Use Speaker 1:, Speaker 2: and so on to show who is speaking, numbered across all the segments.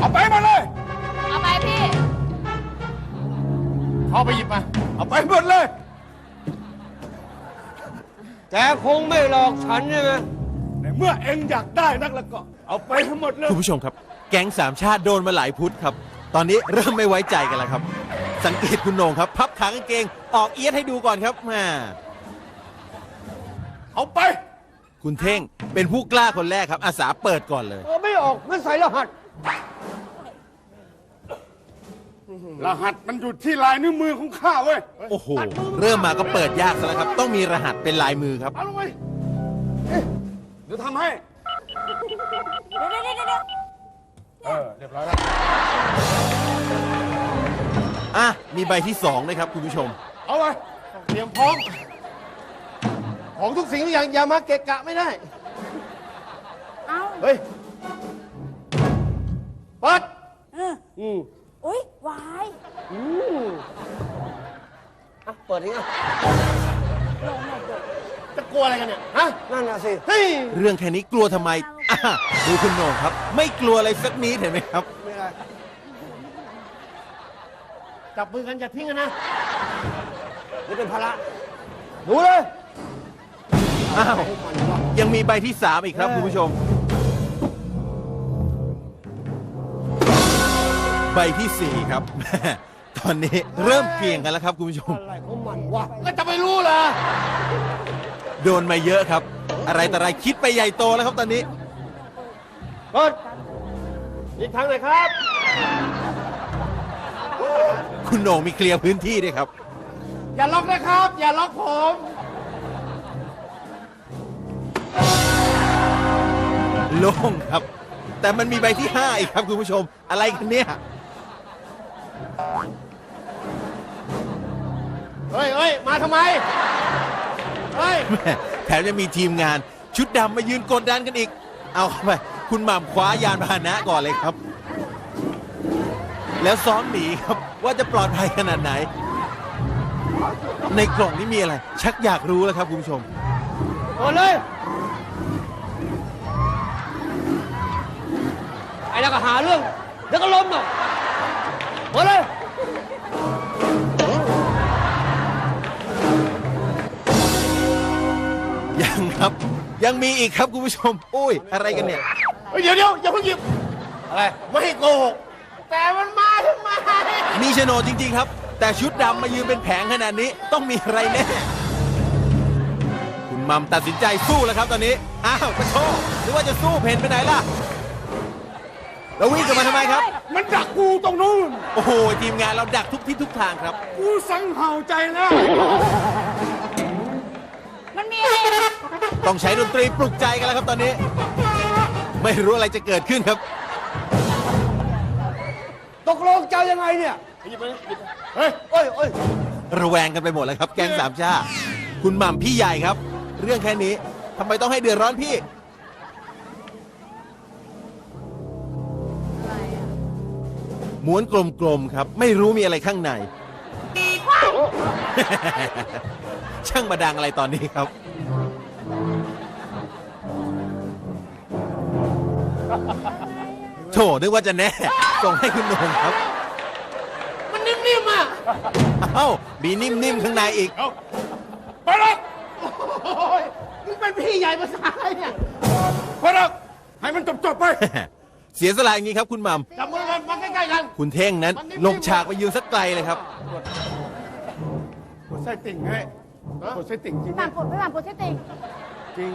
Speaker 1: เอาไปหมดเลย
Speaker 2: เอาไปพี่
Speaker 1: เข้าไปหยิบมาเอาไปหมดเลย
Speaker 3: แกคงไม่หลอกฉันใช่ไหม
Speaker 1: ในเมื่อเอ็งอยากได้นักแล้วก็ เอาไปทั้งหมดเลย
Speaker 4: คุณผู้ชมครับ แก๊งสามชาติโดนมาหลายพุธครับ ตอนนี้เริ่มไม่ไว้ใจกันแล้วครับ สังเกตคุณโหน่งครับ พับขากางเกงออกเอียดให้ดูก่อนครับแม่
Speaker 1: เอาไป
Speaker 4: คุณเท่งเป็นผู้กล้าคนแรกครับ อาสาเปิดก่อนเลย
Speaker 3: ไม่ออกไม่ใส่รหัส
Speaker 1: รหัสมันอยู่ที่ลายนิ้วมือของข้าเว้ย
Speaker 4: โอ้โห เริ่มมาก็เปิดยากซะแล้วครับ ต้องมีรหัสเป็นลายมือครับ
Speaker 1: เอาลงไปเดี๋ยวทำให้
Speaker 2: เดี๋ยว
Speaker 1: เรียบร้อยแล้ว
Speaker 4: อ่ะ มีใบที่2ด้วยครับคุณผู้ชม
Speaker 1: เอาไปเตรียมพร้อม
Speaker 3: ของทุกสิ่งทุกอย่างอย่ามาเกะกะไม่ได้
Speaker 2: เอา
Speaker 3: เฮ้ยเปิด
Speaker 2: อุ้ยวาย
Speaker 3: เปิดยังไง
Speaker 1: จะกลัวอะไรกันเนี่ย
Speaker 3: ฮะนั่นน่ะสิเฮ้ย
Speaker 4: เรื่องแค่นี้กลัวทำไมอ่ะดูคุณโหน่งครับ ไม่กลัวอะไรสักนิดเห็นไหมครับ
Speaker 3: ไม่ได้จับมือกันอย่าทิ้งกันนะนี่เป็นภาระดูเลย
Speaker 4: อ้าว ยังมีใบที่3อีกครับคุณผู้ชม ใบที่4ครับ ตอนนี้เริ่มเกี่ยงกันแล้วครับคุณผู้ชม
Speaker 3: อะไรของมันวะ
Speaker 1: แล้วจะไปรู้เหรอ
Speaker 4: โดนมาเยอะครับ อะไรแต่อะไรคิดไปใหญ่โตแล้วครับตอนนี้
Speaker 3: เปิดอีกทางไหนครับ
Speaker 4: คุณโหน่งมีเคลียร์พื้นที่ด้วยครับ
Speaker 1: อย่าล็อกนะครับ อย่าล็อกผม
Speaker 4: โล่งครับ แต่มันมีใบที่5อีกครับคุณผู้ชม อะไรกันเนี่ย
Speaker 3: เฮ้ยเฮ้ยมาทำไม เฮ้ย
Speaker 4: แม่แถมยังมีทีมงานชุดดำมายืนกดดันกันอีก เอาเข้าไปคุณหม่ำคว้ายานพาหนะก่อนเลยครับ แล้วซ้อมหนีครับว่าจะปลอดภัยขนาดไหน ในกล่องนี้มีอะไร ชักอยากรู้แล้วครับคุณผู้ชม
Speaker 3: เปิดเลย ไอ้แล้วก็หาเรื่องเดี๋ยวก็ล้มหรอกเปิดเลย
Speaker 4: ยังครับ ยังมีอีกครับคุณผู้ชมอุ้ยอะไรกันเนี่ย
Speaker 1: เฮ้ยเดี๋ยวอย่าเพิ่งหยิบ
Speaker 3: อะไร
Speaker 1: ไม่ให้โกหก แต่มันมาทำไม
Speaker 4: มีโฉนดจริงๆครับ แต่ชุดดำมายืนเป็นแผงขนาดนี้ต้องมีอะไรแน่ คุณมัมตัดสินใจสู้แล้วครับตอนนี้ อ้าวจะโชว์หรือว่าจะสู้เพนไปไหนล่ะ แล้ววิ่งกลับมาทำไมครับ
Speaker 1: มันดักกูตรงนู้น
Speaker 4: โอ้โห ทีมงานเราดักทุกทิศทุกทางครับ
Speaker 1: กูสังเห่าใจแล้ว
Speaker 2: มันมีอะไร
Speaker 4: ต้องใช้ดนตรีปลุกใจกันแล้วครับตอนนี้ ไม่รู้อะไรจะเกิดขึ้นครับ
Speaker 3: ตกลงเจ้ายังไงเนี่ย
Speaker 1: หยิบไปหยิบไปเฮ้ย
Speaker 3: เอ้ยเอ้ย
Speaker 4: ระแวงกันไปหมดแล้วครับ แก๊งสามชาติคุณหม่ำพี่ใหญ่ครับ เรื่องแค่นี้ทำไมต้องให้เดือดร้อนพี่ ม้วนกลมๆครับ ไม่รู้มีอะไรข้างใน ช่างมาดังอะไรตอนนี้ครับ โถนึกว่าจะแน่ ส่งให้คุณโหน่งครับ
Speaker 1: มันนิ่มๆอ่ะ
Speaker 4: เอ้า มีนิ่มๆข้างในอีก
Speaker 1: เอาไปหรอกโอ้ยมึงเป็นพี่ใหญ่ภาษาอะไรเนี่ยไปหรอกให้มันจบๆไป
Speaker 4: เสียสละอย่างนี้ครับคุณหม่
Speaker 1: จับมือกันมาใกล้ๆกัน
Speaker 4: ำคุณเท่งนั้น ลงฉากไปยืนสักไกลเลยครับ
Speaker 1: กดไส้ติ่งให้กดไส้ติ่งจริง
Speaker 2: พี่หม่ำปวดเส้นติ่ง
Speaker 1: จริง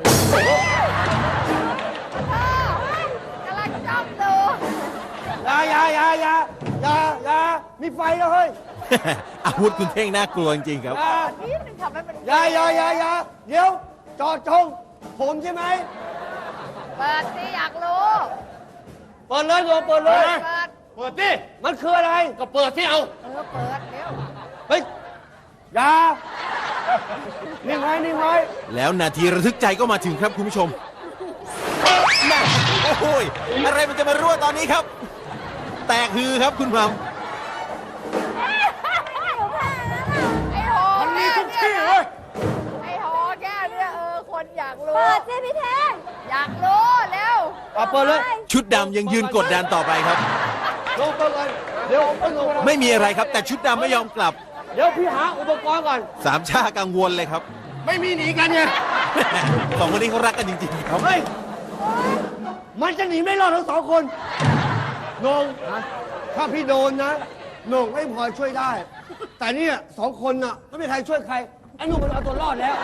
Speaker 2: กำลังจ้องดู
Speaker 3: อย่ามีไฟแล้วเฮ้ย
Speaker 4: อาวุธคุณเท่งน่ากลัวจริงๆครับ
Speaker 2: นี่มันทำให้มัน
Speaker 3: อย่าเดี๋ยวจอดจงผมใช่ไหม
Speaker 2: เปิดสิอยากรู้
Speaker 3: เปิดเลยเปิดเลย
Speaker 2: เปิด
Speaker 1: เปิดดิ
Speaker 3: มันคืออะไร
Speaker 1: ก็เปิดที่เอา
Speaker 2: เปิดเร็ว
Speaker 3: เฮ้ยอย่านิ่งไว้
Speaker 4: แล้วนาทีระทึกใจก็มาถึงครับคุณผู้ชมแม่โอ้โหยอะไรมันจะมารั่วตอนนี้ครับ แตกฮือครับคุณหม่
Speaker 2: ไอ้โห
Speaker 1: มันมีทุกที่
Speaker 2: แค่
Speaker 1: เว้ย
Speaker 2: ไอ้โหแค่เนี่ยคคนอยากรู้
Speaker 5: เปิดสิพี่เท่ง
Speaker 2: อยากรู้เร็ว
Speaker 3: เอาเปิดเลย
Speaker 4: ชุดดำยังยืนกดดันต่อไปครับ
Speaker 3: ลงเปิดเลยเดี๋ยวไม่ลง
Speaker 4: ไม่มีอะไรครับ แต่ชุดดำไม่ยอมกลับ
Speaker 3: เดี๋ยวพี่หาอุปกรณ์ก่อน
Speaker 4: สามชากังวลเลยครับ
Speaker 1: ไม่มีหนีกันไง
Speaker 4: สองคนนี้เขารักกันจริงๆครับ
Speaker 3: เฮ้ย มันจะหนีไม่รอดทั้งสองคนโหนงถ้าพี่โดนนะโหนงไม่พอช่วยได้ แต่เนี่ยสองคนน่ะไม่มีใครช่วยใคร ไอ้หนุ่มมันเอาตัวรอดแล้ว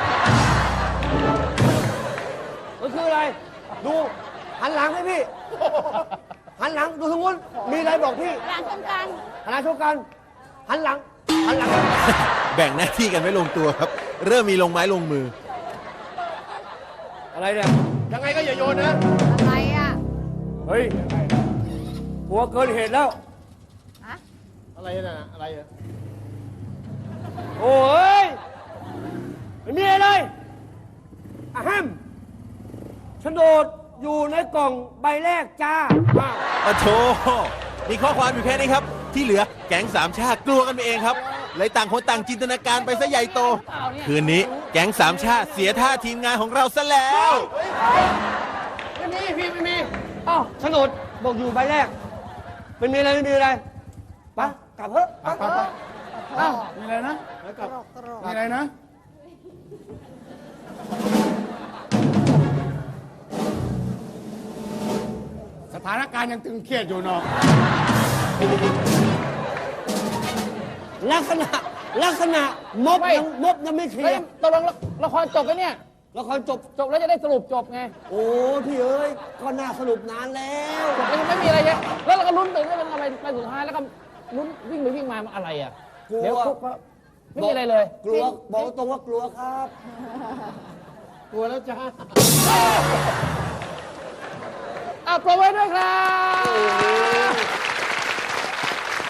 Speaker 3: มันคืออะไร ดูหันหลังให้พี่ หันหลังดูทางนู้นมีอะไรบอกพี่
Speaker 5: หลังตรงกลาง
Speaker 3: หันหลังชกกัน หันหลัง หันหลัง
Speaker 4: แบ่งหน้าที่กันไม่ลงตัวครับ เริ่มมีลงไม้ลงมือ
Speaker 3: อะไรเนี่ย
Speaker 1: ยังไงก็อย่าโยนนะ
Speaker 2: อะไรอ่ะ
Speaker 3: เฮ้ยกลัวเกินเหตุแล้ว
Speaker 2: ฮะ
Speaker 1: อะไรน่ะอะไรอ่ะ
Speaker 3: โอ้ยไม่มีอะไรเลยอะแฮมโฉนดอยู่ในกล่องใบแรกจ้า
Speaker 4: ปะโถมีข้อความอยู่แค่นี้ครับ ที่เหลือแก๊งสามชาติกลัวกันไปเองครับ เลยต่างคนต่างจินตนาการไปซะใหญ่โต คืนนี้แก๊งสามชาติเสียท่าทีมงานของเราซะแล้ว
Speaker 1: ไม่มีพี่ไม่มี
Speaker 3: อ้าวโฉนดบอกอยู่ใบแรกไม่มีอะไรไม่มีอะไรไปกลับเถอะไป
Speaker 1: ไปไปอ้าวมีอะไรนะแล้วกลับมีอะไรนะ สถานการณ์ยังตึงเครียดอยู่เนาะ
Speaker 3: ลักษณะมบยังไม่เคลี
Speaker 6: เฮ้
Speaker 3: ย
Speaker 6: ย
Speaker 3: ร์
Speaker 6: ตกลงละครจบแล้วเนี่ย
Speaker 3: ละครจบ
Speaker 6: จบแล้วจะได้สรุปจบไง
Speaker 3: โอ้พี่เอ้ยก็น่าสรุปนานแล้ว
Speaker 6: จบแล้วยังไม่มีอะไรเลยแล้วเราก็ลุ้นตื่นได้เป็นอะไรไปสุดท้ายแล้วก็ลุ้นวิ่งไปวิ่งมามันอะไรอ่ะ
Speaker 3: กลัว
Speaker 6: เดี๋ยวคุกก็ไม่มีอะไรเลย
Speaker 3: กลัวบอกตรงว่ากลัวครับ
Speaker 1: กลัวแล้วจ้า
Speaker 6: อ่ะปรบไว้ด้วยครับ